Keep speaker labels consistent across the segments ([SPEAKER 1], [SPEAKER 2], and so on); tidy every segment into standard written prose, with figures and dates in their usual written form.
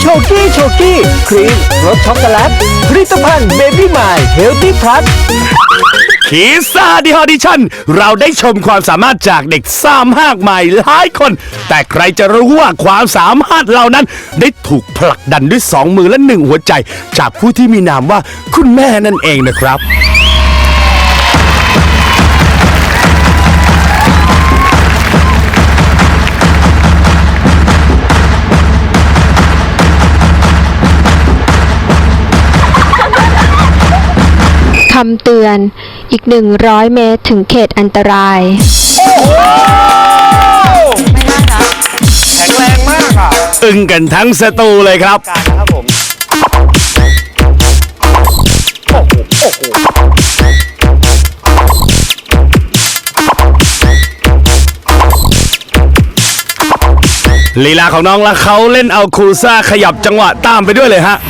[SPEAKER 1] กี้ครีมรสช็อกโกแลตผลิตภัณฑ์เบบี้มายเฮลตี้พลัส
[SPEAKER 2] คีซ่าดิออดิชั่นเราได้ชมความสามารถจากเด็กซ่ามากมายหลายคนแต่ใครจะรู้ว่าความสามารถเหล่านั้นได้ถูกผลักดันด้วย2 มือและ 1 หัวใจจากผู้ที่มีนามว่าคุณแม่นั่นเองนะครับ
[SPEAKER 3] คำเตือนอีก100 เมตรถึงเขตอันตราย
[SPEAKER 4] แข็งแรงมากอ่ะ
[SPEAKER 2] อึ้งกันทั้งสตูเลยครับ
[SPEAKER 4] ครับผม
[SPEAKER 2] ลีลาของน้องและเขาเล่นเอาคูซ่าขยับจังหวะตามไปด้วยเลยฮะ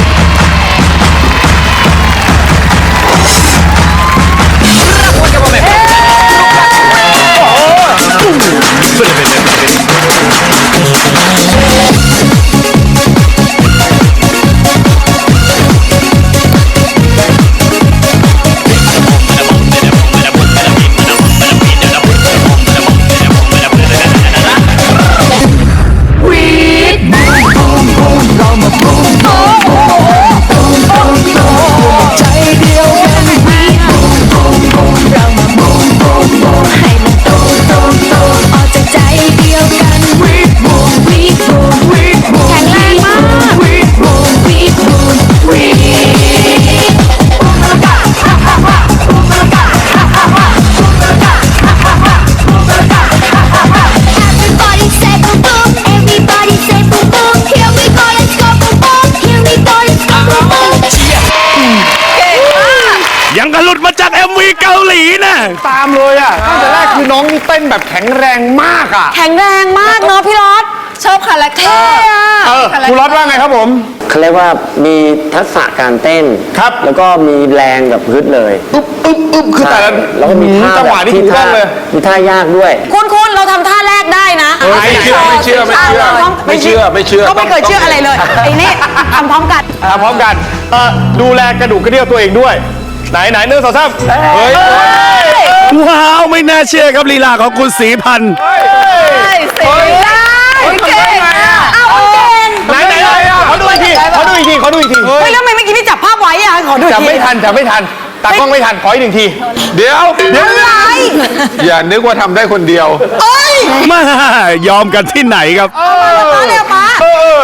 [SPEAKER 2] ยังกระหลุดมาจาก MV เกาหลีนะ
[SPEAKER 4] ตามเลยอ่ะตั้งแต่แรกคือน้องเต้นแบบแข็งแรงมากอ่ะ
[SPEAKER 5] แข็งแรงมากเนาะพี่รถชอบคาแรคเตอร์
[SPEAKER 4] คุณรถว่าไงครับผม
[SPEAKER 6] เขาเรียกว่ามีทักษะการเต้น
[SPEAKER 4] ครับ
[SPEAKER 6] แล้วก็มีแรงแบบฮึดเลย
[SPEAKER 4] อึ๊บคือแต่ละ
[SPEAKER 6] แล้วก็มีท่า
[SPEAKER 4] จังหวะที่ถูกต้องเลย
[SPEAKER 6] มีท่ายากด้วย
[SPEAKER 5] คุณเราทำท่าแรกได้นะ
[SPEAKER 4] ไม่เชื่อก็ไม่เคย
[SPEAKER 5] เชื่ออะไรเลยไอ้นี่ทำพร้อมกัน
[SPEAKER 4] ดูแลกระดูกกระเดี่ยวตัวเองด้วยไหน1 2 3เฮ้ย
[SPEAKER 2] ว้าวไม่น่าเชื่อครับลีลาของคุณศรีพันธ์
[SPEAKER 5] เก่ง
[SPEAKER 4] ไหนขอดูอีกที
[SPEAKER 5] เฮ้ยแล้วทำไมเมื่อกี้พี่จับภาพไว้อะขอดูอีกที
[SPEAKER 4] จับไม่ทันตากล้องไม่ทันขออีก1 ทีเดี๋ยว
[SPEAKER 5] อะไร
[SPEAKER 4] อย่านึกว่าทำได้คนเดียว
[SPEAKER 2] มายอมกันที่ไหนครับ
[SPEAKER 5] มาเร็วป้า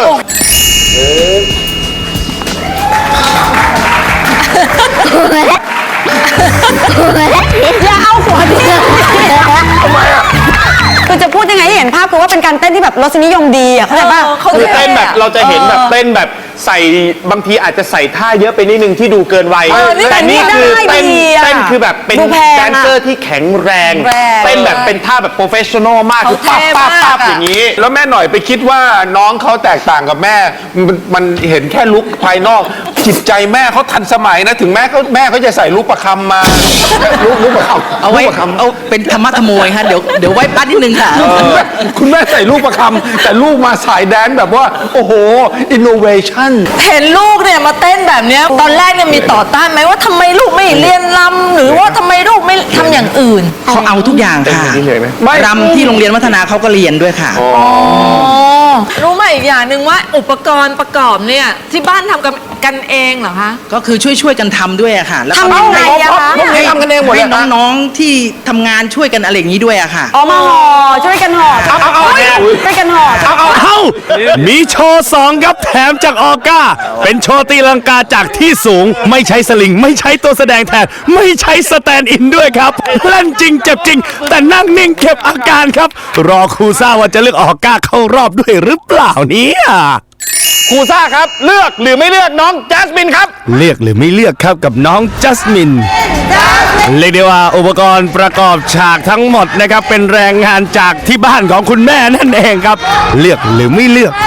[SPEAKER 5] อย่าเอาหัวดิ
[SPEAKER 4] ทำไมอ่ะ
[SPEAKER 5] คือจะพูดยังไงให้เห็นภาพคือว่าเป็นการเต้นที่แบบรสนิยมดีอ่ะเข้าใจป่ะ
[SPEAKER 4] คือเต้นแบบเราจะเห็นแบบเต้นแบบใส่บางทีอาจจะใส่ท่าเยอะไปนิดนึงที่ดูเกินวัยแต่นี่คือเต้นคือแบบเป็นแดนเซอร์ที่แข็งแรงเต้นแบบเป็นท่าแบบโปรเฟชชั่นอลมากคือปั๊บอย่างนี้แล้วแม่หน่อยไปคิดว่าน้องเขาแตกต่างกับแม่มันเห็นแค่ลุคภายนอกจิตใจแม่เขาทันสมัยนะถึงแม่เขาจะใส่ลูกประคำมาลูกประคำ
[SPEAKER 7] เอาไว้เอาเป็นธรรมะขโมยฮะเดี๋ยวไว้ปั้นนิดนึงค่ะ
[SPEAKER 4] คุณแม่ใส่ลูกประคำแต่ลูกมาสายแดนแบบว่าโอ้โหอินโนเวชั่น
[SPEAKER 5] เห็นลูกเนี่ยมาเต้นแบบเนี้ยตอนแรกเนี่ยมีต่อต้านไหมว่าทำไมลูกไม่เรียนรำหรือว่าทำไมลูกไม่ทำอย่างอื่น
[SPEAKER 7] เขาเอาทุกอย่างค่ะรำที่โรงเรียนวัฒนาเขาก็เรียนด้วยค่ะ
[SPEAKER 8] รู้ไหมอีกอย่างหนึ่งว่าอุปกรณ์ประกอบเนี่ยที่บ้านทำกันเองเหรอคะ
[SPEAKER 7] ก็คือช่วยกันทำด้วยอะค่ะ
[SPEAKER 5] แล้วทำยังไงอะคะ
[SPEAKER 4] ให้ทำกันเองหมดเลย
[SPEAKER 7] น้องๆที่ทำงานช่วยกันอะไรอย่างนี้ด้วยอะค่ะ
[SPEAKER 5] มาห่อช่วยกันห่อช่วยกันห่อ
[SPEAKER 2] มีโชว์2ครับแถมจากออก้าเป็นโชว์ตีลังกาจากที่สูงไม่ใช้สลิงไม่ใช้ตัวแสดงแทนไม่ใช้สแตนด์อินด้วยครับเล่นจริงเจ็บจริงแต่นั่งนิ่งเก็บอาการครับรอครูซ่าว่าจะเลือกออก้าเข้ารอบด้วยหรือเปล่าเนี่ย
[SPEAKER 4] ครูซ่าครับเลือกหรือไม่เลือกน้องจัสมินครับ
[SPEAKER 2] เลือกหรือไม่เลือกครับกับน้องจัสมินเรียกได้ว่าอุปกรณ์ประกอบฉากทั้งหมดนะครับเป็นแรงงานจากที่บ้านของคุณแม่นั่นเองครับเลือกหรือไม่เลือก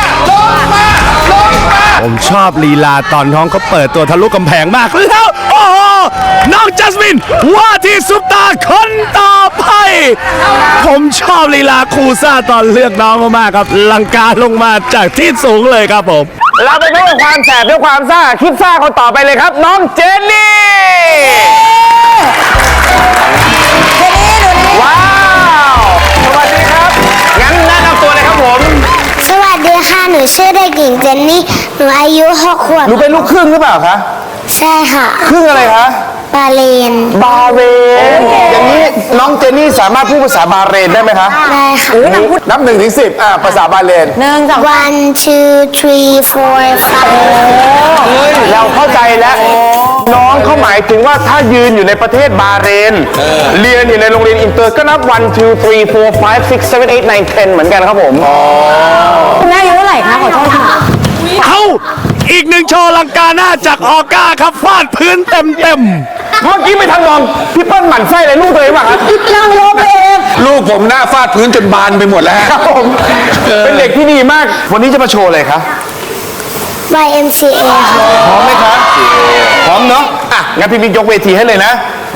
[SPEAKER 2] ผมชอบลีลาตอนน้องเขาเปิดตัวทะลุกำแพงมากแล้วโอ้โหน้องจัสมินว่าที่ซุปตาคนต่อไปผมชอบลีลาครูซ่าตอนเลือกน้องมากครับลังกาลงมาจากที่สูงเลยครับผม
[SPEAKER 4] เราไปพบกับความแสบด้วยความซ่าคิดซ่าคนต่อไปเลยครับ น้องเจนนี่ ว้าว สวัสดีครับ งั้นแนะนำตัวเลยครับผม
[SPEAKER 9] สวัสดีค่ะ หนูชื่อเด็กหญิงเจนนี่ หนูอายุ6 ขวบ
[SPEAKER 4] หนูเป็นลูกครึ่งหรือเปล่าคะ
[SPEAKER 9] ใช่ค่ะ
[SPEAKER 4] ครึ่งอะไรคะ
[SPEAKER 9] บาเลน
[SPEAKER 4] บาเรน อย่างนี้น้องเจนนี่สามารถพูดภาษาบาเรนได้ไหมคะ
[SPEAKER 9] ได้ค่ะ
[SPEAKER 4] นับ1 ถึง 10ภาษาบาเรน
[SPEAKER 9] 1 2 3 4 5
[SPEAKER 4] เราเข้าใจแล้ว น้องเขาหมายถึงว่าถ้ายืนอยู่ในประเทศบาเรน เรียนอยู่ในโรงเรียนอินเตอร์ก็นับ 1 2 3 4 5 6 7 8 9 10 เหมือนกันครับผม
[SPEAKER 5] คุณแม่อายุเท่าไหร่คะขอโทษค่ะ
[SPEAKER 2] เอาอีกหนึ่งโชว์ลังกาหน้าจากออก้าครับฟาดพื้นเต็ม
[SPEAKER 4] เมื่อกี้ไม่ทันมองพี่เปิ้ลหมั่นไส้อะไรลูกตัวเองป่ะครับ
[SPEAKER 5] นั่งรถเอง
[SPEAKER 10] ลูกผมหน้าฟาดพื้นจนบานไปหมดแล้ว
[SPEAKER 4] ครับผม เป็นเด็กที่ดีมาก วันนี้จะมาโชว์อะไรคะ
[SPEAKER 9] YMCA ค่ะ
[SPEAKER 4] พร้อมไหมคะพร้อมเนาะอ่ะงั้นพี่มิกยกเวทีให้เลยนะ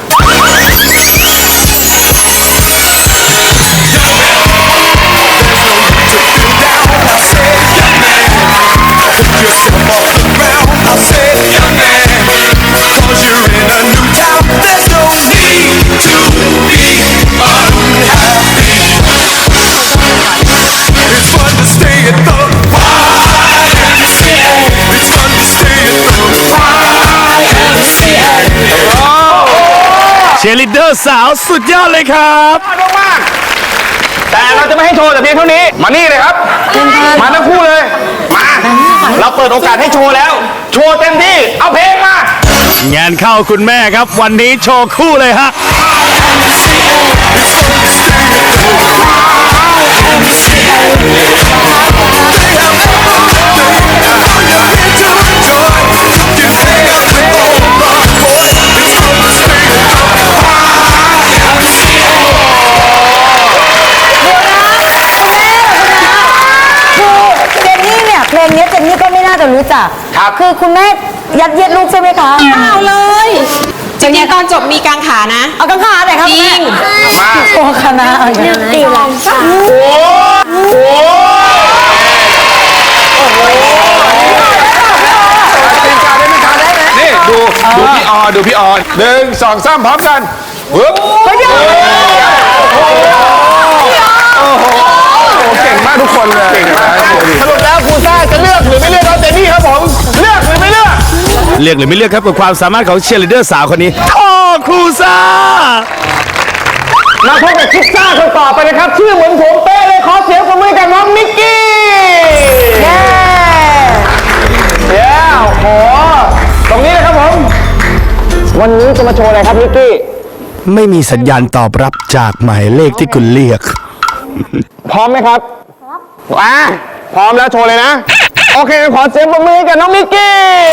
[SPEAKER 2] ๆเชียร์ลีดเดอร์สาวสุดยอดเลยครับ
[SPEAKER 4] มากแต่เราจะไม่ให้โชว์แต่เพียงเท่านี้ มานี่เลยครับ มาทั้งคู่เลย มา เราเปิดโอกาสให้โชว์แล้ว โชว์เต็มที่ เอาเพลงมา
[SPEAKER 2] งานเข้าคุณแม่ครับวันนี้โชว์คู่เลยฮะ
[SPEAKER 5] เจนนี่เนี่ยเพลงนี้เจนนี่ก็ไม่น่าจะรู้จัก
[SPEAKER 4] ครับ
[SPEAKER 5] คือคุณแม่ยัดเยียดลูกใช่ไหมคะเปล่าเลย
[SPEAKER 8] จริงๆตอนจบมีกางขานะ
[SPEAKER 5] เอากังขาไหนครับคุณแม่โอ้คณะเอาอย่าง
[SPEAKER 9] นึ
[SPEAKER 5] นั้
[SPEAKER 9] ก
[SPEAKER 5] น
[SPEAKER 9] ตีลังกา
[SPEAKER 10] นี่ดูพี่ออดูพี่ออ1 2 3พร้อมกันปึ๊บ
[SPEAKER 4] เก่งมากทุกคนเลย
[SPEAKER 10] เก่งมาก
[SPEAKER 4] สรุปแล้วครูซ่าจะเลือกหรือไม่เลือกน้องเจนนี่ครับผม เลือกหรือไม่เลือก
[SPEAKER 2] เลือกหรือไม่เลือกครับกับความสามารถของเชียร์ลีดเดอร์สาวคนนี้ท่อครูซ่า
[SPEAKER 4] มาพบกับคิดซ่าคนต่อไปนะครับ ชื่อเหมือนผมเป๊ะเลย ขอเสียงปรบมือกับน้องมิกกี้ เย้โอ้โหตรงนี้นะครับผม วันนี้จะมาโชว์อะไรครับมิกกี้
[SPEAKER 2] ไม่มีสัญญาณตอบรับจากหมายเลขที่คุณเรียก
[SPEAKER 4] พร้อมไหมครับพร้อมแล้วโชว์เลยนะ โอเค ขอเสียงปรบมือให้กับน้องมิกกี้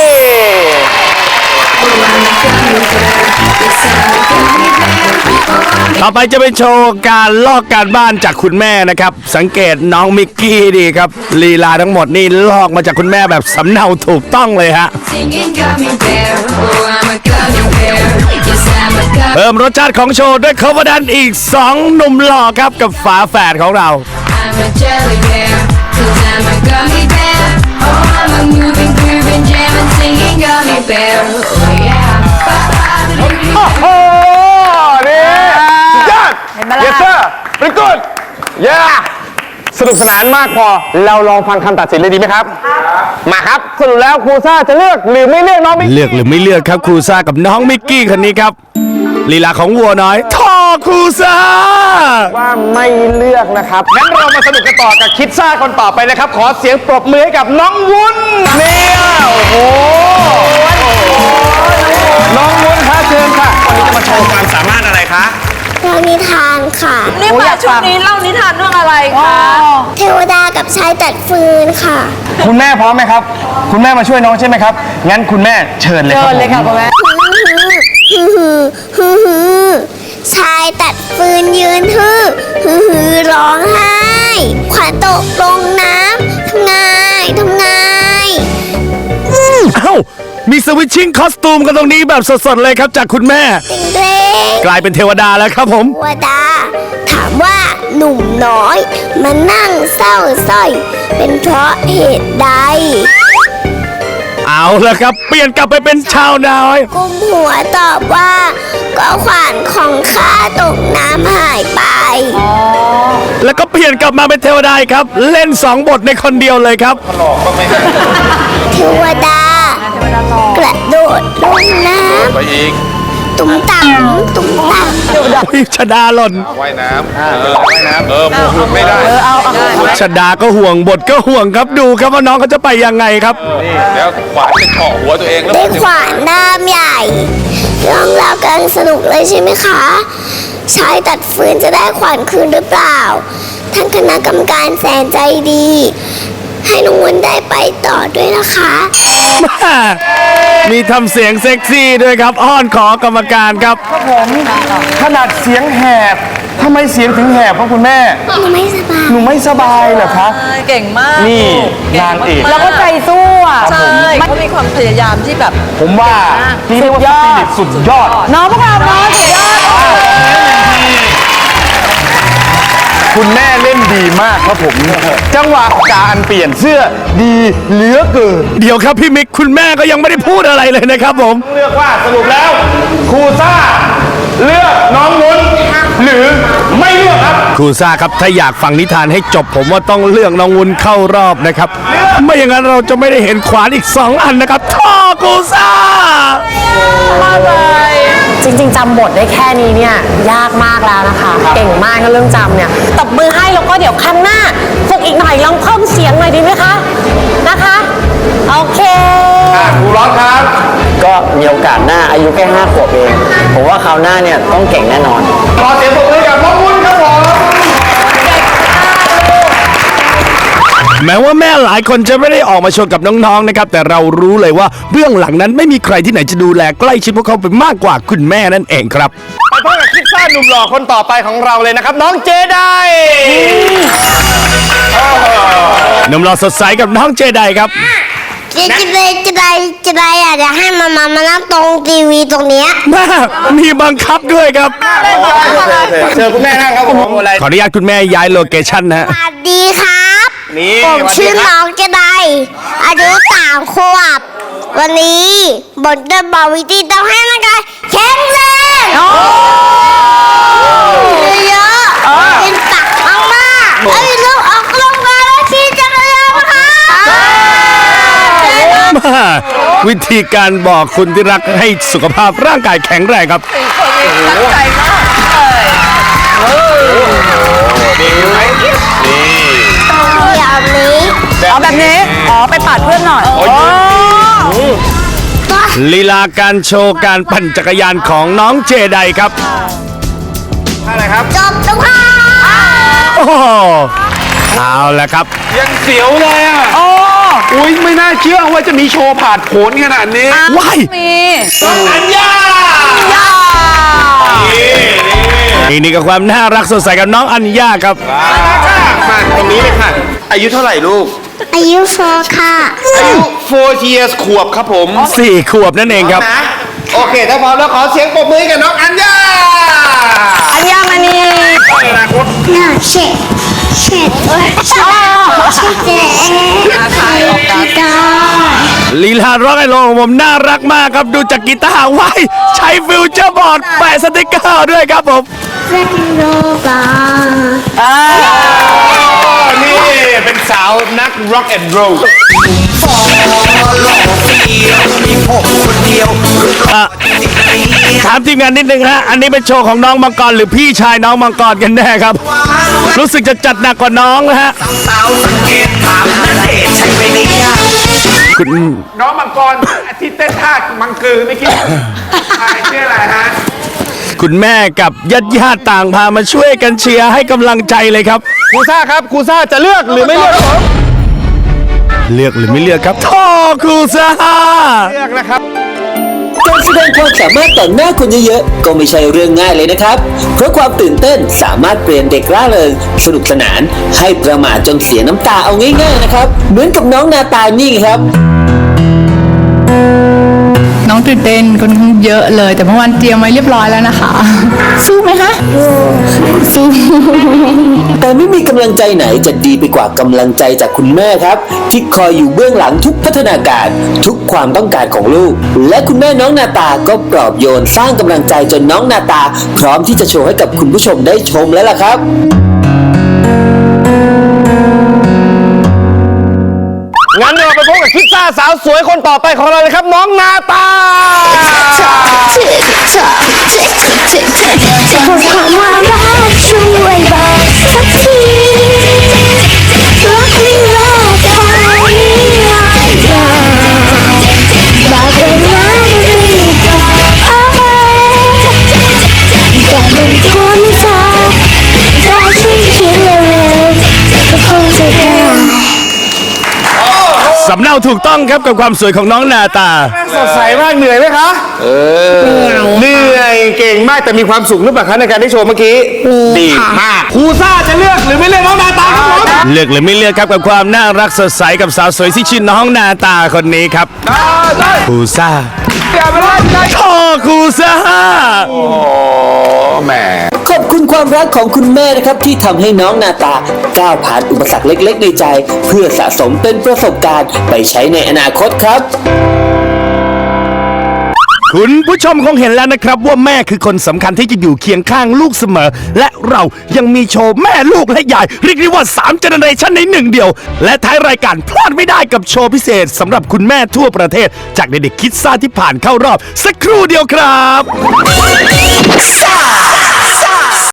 [SPEAKER 2] ต่อไปจะเป็นโชว์การลอกการบ้านจากคุณแม่นะครับ สังเกตน้องมิกกี้ดีครับลีลาทั้งหมดนี่ลอกมาจากคุณแม่แบบสำเนาถูกต้องเลยฮะ
[SPEAKER 11] Singing gummy bear, oh I'm a gummy bear. Yes I'm a gummy.
[SPEAKER 2] เพิ่มรสชาติของโชว์ด้วย cover ดันอีก 2 หนุ่มหล่อครับกับฝาแฝดของเรา
[SPEAKER 11] I'm a jelly bear, 'cause I'm a gummy bear. Oh I'm a moving, grooving, jamming, singing gummy bear. Oh yeah.
[SPEAKER 4] โอ้โห นี่สุดยอด yes sir very good yeah สนุกสนานมากพอ เราลองฟังคำตัดสินเลยดีไหมครับ มาครับ สรุปแล้วครูซ่าจะเลือกหรือไม่เลือกน้องมิกกี้
[SPEAKER 2] เลือกหรือไม่เลือกครับครูซ่ากับน้องมิกกี้คนนี้ครับลีลาของวัวน้อยท่อครูซ่า
[SPEAKER 4] ว่าไม่เลือกนะครับ งั้นเรามาสนุกกันต่อกับคิดซ่าคนต่อไปนะครับ ขอเสียงปรบมือให้กับน้องวุ้นเนี่ยโอ้โห น้องวุ้นคะเชิญค่ะ วันนี้จะมาโชว์ความสามารถอะไรคะ
[SPEAKER 9] เล่านิทานค่ะ
[SPEAKER 8] นี่มาชุดนี้เล่านิทานเรื่องอะไรคะ
[SPEAKER 9] เทวดากับชายตัดฟืนค่ะ
[SPEAKER 4] คุณแม่พร้อมไหมครับ คุณแม่มาช่วยน้องใช่ไหมครับ งั้นคุณแม่เชิญเลยครับ
[SPEAKER 5] เชิญเลยค่ะคุณแม่
[SPEAKER 9] ชายตัดฟืนยืนฮือร้องไห้ ขวัญตกลงน้ำทำไง
[SPEAKER 2] เอ้ามีสวิตชิ่งคอสตูมกันตรงนี้แบบสดๆเลยครับจากคุณแม่
[SPEAKER 9] เด้ง
[SPEAKER 2] กลายเป็นเทวดาแล้วครับผม
[SPEAKER 9] เทวดา ถามว่าหนุ่มน้อยมานั่งเศร้าสร้อย เป็นเพราะเหตุใด
[SPEAKER 2] เอาละครับ เปลี่ยนกลับไปเป็นชาวนาน้อย
[SPEAKER 9] กุมหัวตอบว่าก็ขวานของข้าตกน้ำหายไป
[SPEAKER 2] แล้วก็เปลี่ยนกลับมาเป็นเทวดาอีกครับ เล่น2 บทในคนเดียวเลยครับ
[SPEAKER 9] เทวดากระโดดลงน้
[SPEAKER 10] ไปอีก
[SPEAKER 9] ำตุ้มต่ำตุ้มต่ำ
[SPEAKER 2] อุ๊ยชดาหล่น
[SPEAKER 10] ว่ายน้ำว่ายน้ำหมวกหลุดไม่ได้
[SPEAKER 2] ชดาก็ห่วงบทก็ห่วงครับดูครับว่าน้องเขาจะไปยังไงครับ
[SPEAKER 10] นี่แล้วขวานจะเฉาะหัวตัวเองแล้ว
[SPEAKER 9] ได้ขวานด้ามใหญ่เรื่องราวกันสนุกเลยใช่ไหมคะชายตัดฟืนจะได้ขวานคืนหรือเปล่าท่านคณะกรรมการแสนใจดี ให้น้องวุ้นได้ไปต่อด้วยนะคะ
[SPEAKER 2] มีทำเสียงเซ็กซี่ด้วยครับ อ้อนขอกรรมการครับ
[SPEAKER 4] ขนาดเสียงแหบทำไมเสียงถึงแหบครับคุณแม่
[SPEAKER 9] หนูไม่สบาย
[SPEAKER 4] หนูไม่สบายเหรอคะ
[SPEAKER 5] เก่งมาก
[SPEAKER 4] นี่
[SPEAKER 5] ก่
[SPEAKER 4] นางเอก
[SPEAKER 5] มแล้วก็ใจสู้อ่ะ
[SPEAKER 4] ครับผม
[SPEAKER 5] ใช่เขามีความพยายามที่แบบ
[SPEAKER 4] ผมว่านี่เรียกว่าสปิริตสุดยอด
[SPEAKER 5] น้องพวกเราน้องสุดยอด
[SPEAKER 4] คุณแม่เล่นดีมากครับผม จังหวะการเปลี่ยนเสื้อดีเหลือเกิน
[SPEAKER 2] เดี๋ยวครับพี่มิกคุณแม่ก็ยังไม่ได้พูดอะไรเลยนะครับผม
[SPEAKER 4] เลือกว่าสรุปแล้วครูซ่าเลือกน้องนุ้นหรือไม่เลือกครับ
[SPEAKER 2] ครูซ่าครับถ้าอยากฟังนิทานให้จบผมว่าต้องเลือกน้องวุ้นเข้ารอบนะครับ ไม่อย่างนั้นเราจะไม่ได้เห็นขวานอีก 2 อันนะครับท่อครูซ่า
[SPEAKER 12] จริงๆจำบทได้แค่นี้เนี่ยยากมากแล้วนะคะ เก่งมากก็เรื่องจำเนี่ยตบมือให้แล้วก็เดี๋ยวครั้งหน้าฝึกอีกหน่อยลองเพิ่มเสียงหน่อยดีไหมคะนะคะ โอเค
[SPEAKER 4] ครูร้อนครับ
[SPEAKER 6] ก็มีโอกาสหน้าอายุแค่5 ขวบเอง ผมว่าคราวหน้าเนี่ยต้องเก่งแน่นอน
[SPEAKER 4] ขอเสียงปรบมือกับน้องวุ้นครับผม
[SPEAKER 2] แม้ว่าแม่หลายคนจะไม่ได้ออกมาโชว์กับน้องๆนะครับแต่เรารู้เลยว่าเบื้องหลังนั้นไม่มีใครที่ไหนจะดูแลใกล้ชิดพวกเขาไปมากกว่าคุณแม่นั่นเองครับ
[SPEAKER 4] ไปพบกับคิดซ่าหนุ่มหล่อคนต่อไปของเราเลยนะครับ น้องเจได
[SPEAKER 2] หนุ่มหล่อสดใสกับน้องเจไดครับ
[SPEAKER 9] จะได้อยากจะให้มานั่งตรงทีวีตรงเนี้ย
[SPEAKER 2] แม่มีบังคับด้วยครับ
[SPEAKER 4] เชิญคุณแม่นั่งครับผมอะไร
[SPEAKER 2] ขออนุญาตคุณแม่ย้ายโลเคชั่นนะฮะ
[SPEAKER 9] สวัสดีครับ
[SPEAKER 4] นี่
[SPEAKER 9] ผมชื่อน้องจะได้อายุ3 ขวบ วันนี้บทจะบอกวิธีต้องให้ร่างกายแข็งแรงเยอะๆกินตักมากๆแล้วลูกออกกำลังกายแล้วขี่จักรยานนะคะ
[SPEAKER 2] วิธีการบอกคุณที่รักให้สุขภาพร่างกายแข็งแรงครับ
[SPEAKER 5] ตั้งใจมากเลย
[SPEAKER 4] นี่ไหมนี่
[SPEAKER 9] อย่างนี้
[SPEAKER 5] เอาแบบนี้ อ๋อ ไปปาดเพื่อนหน่อย
[SPEAKER 4] โอ้ย
[SPEAKER 2] ลีลาการโชว์การปั่นจักรยานของน้องเจไดครับ
[SPEAKER 4] อะไรครับ
[SPEAKER 9] จบแล้วค่ะ
[SPEAKER 2] โอ้โหเอาละครับ
[SPEAKER 10] ยังเสียวเลยอ่ะ
[SPEAKER 5] โอ้
[SPEAKER 10] อุ้ยไม่น่าเชื่อว่าจะมีโชว์ผ่านผลขนาดนี้
[SPEAKER 2] ว้าย
[SPEAKER 5] มี
[SPEAKER 4] อัญญา
[SPEAKER 2] นี่กับความน่ารักสดใสกับน้องอัญญาครับ
[SPEAKER 4] มาตรงนี้เลยค่ะ อายุเท่าไหร่ลูก
[SPEAKER 9] อายุ4 ค่ะ
[SPEAKER 4] อายุ4 years ขวบครับผม
[SPEAKER 2] 4 ขวบนั่นเองครับ
[SPEAKER 4] นะโอเคถ้าพร้อมแล้วขอเสียงปรบมือให้กับน้องอัญญา
[SPEAKER 5] อัญญามณี
[SPEAKER 9] น่าเช็ดเช็ดเช็ดเช็ดได้
[SPEAKER 2] ลีลาร็อกไอโลของผมน่ารักมากครับดูจากกีตาร์ไว้ใช้ฟิวเจอร์บอร์ดแปะสติกเกอร์ด้วยครับผม
[SPEAKER 9] เรนโรบา
[SPEAKER 4] นี่เป็นสาวนัก rock and roll
[SPEAKER 2] ถามทีมงานนิดนึงฮะอันนี้เป็นโชว์ของน้องมังกรหรือพี่ชายน้องมังกรกันแน่ครับ รู้สึกจะจัดหนักกว่าน้องนะฮะคุณ
[SPEAKER 10] น้องมังกรที่เต้นท่ามังกือไม่อกี้ชื่ออะไรฮะ
[SPEAKER 2] คุณแม่กับญาติๆต่างพามาช่วยกันเชียร์ให้กำลังใจเลยครับ
[SPEAKER 4] ครูซ่าครับครูซ่าจะเลือกหรือไม่เลือกครับผม
[SPEAKER 2] เลือกหรือไม่เลือกครับท่อครูซ่า
[SPEAKER 4] เลือกนะครับ
[SPEAKER 13] การแสดงความสามารถต่อหน้าคนเยอะๆก็ไม่ใช่เรื่องง่ายเลยนะครับ เพราะความตื่นเต้นสามารถเปลี่ยนเด็กร่าเริงสนุกสนานให้ประมาทจนเสียน้ำตาเอาง่ายๆนะครับ เหมือนกับน้องนาตานี่ครับ
[SPEAKER 12] น้องตื่นเต้นค่อนข้างเยอะเลย แต่เมื่อวานเตรียมไว้เรียบร้อยแล้วนะคะ สู้ไหมคะสู้
[SPEAKER 13] แต่ไม่มีกำลังใจไหนจะดีไปกว่ากำลังใจจากคุณแม่ครับ ที่คอยอยู่เบื้องหลังทุกพัฒนาการทุกความต้องการของลูก และคุณแม่น้องนาตาก็ปลอบโยนสร้างกำลังใจจนน้องนาตา พร้อมที่จะโชว์ให้กับคุณผู้ชมได้ชมแล้วล่ะครับ
[SPEAKER 4] งั้นเราไปพบกับคิดซ่าสาวสวยคนต่อไปของเราเลยครับน้องนาตา
[SPEAKER 9] บอกความว่ารักช่วยบอกสักทีรักไม่รักใครบอกเลยนะไม่บอกแต่เป็นคนสาวถ้าฉันคิดเร็วๆก็คงจะได้
[SPEAKER 2] สำเนาถูกต้องครับกับความสวยของน้องนาตา
[SPEAKER 4] สดใสมากเหนื่อยไหมคะเหนื่อยเก่งมากแต่มีความสุขหรือเปล่าคะในการได้โชว์เมื่อกี้ดีมากครูซ่าจะเลือกหรือไม่เลือกน้องนาตาครับผม
[SPEAKER 2] เลือกหรือไม่เลือกครับกับความน่ารักสดใสกับสาวสวยที่ชื่อน้องนาตาคนนี้ครับครูซ่าพ่อครูซ่า
[SPEAKER 10] แหม
[SPEAKER 13] ขอบคุณความรักของคุณแม่นะครับที่ทำให้น้องนาตาก้าวผ่านอุปสรรคเล็กๆในใจ เพื่อสะสมเป็นประสบการณ์ไปใช้ในอนาคตครับ
[SPEAKER 2] คุณผู้ชมคงเห็นแล้วนะครับว่าแม่คือคนสำคัญที่จะอยู่เคียงข้างลูกเสมอ และเรายังมีโชว์แม่ลูกและยายเรียกได้ว่า3 เจเนอเรชันในหนึ่งเดียว และท้ายรายการพลาดไม่ได้กับโชว์พิเศษสำหรับคุณแม่ทั่วประเทศ จากเด็กๆคิดซ่าที่ผ่านเข้ารอบสักครู่เดียวครับ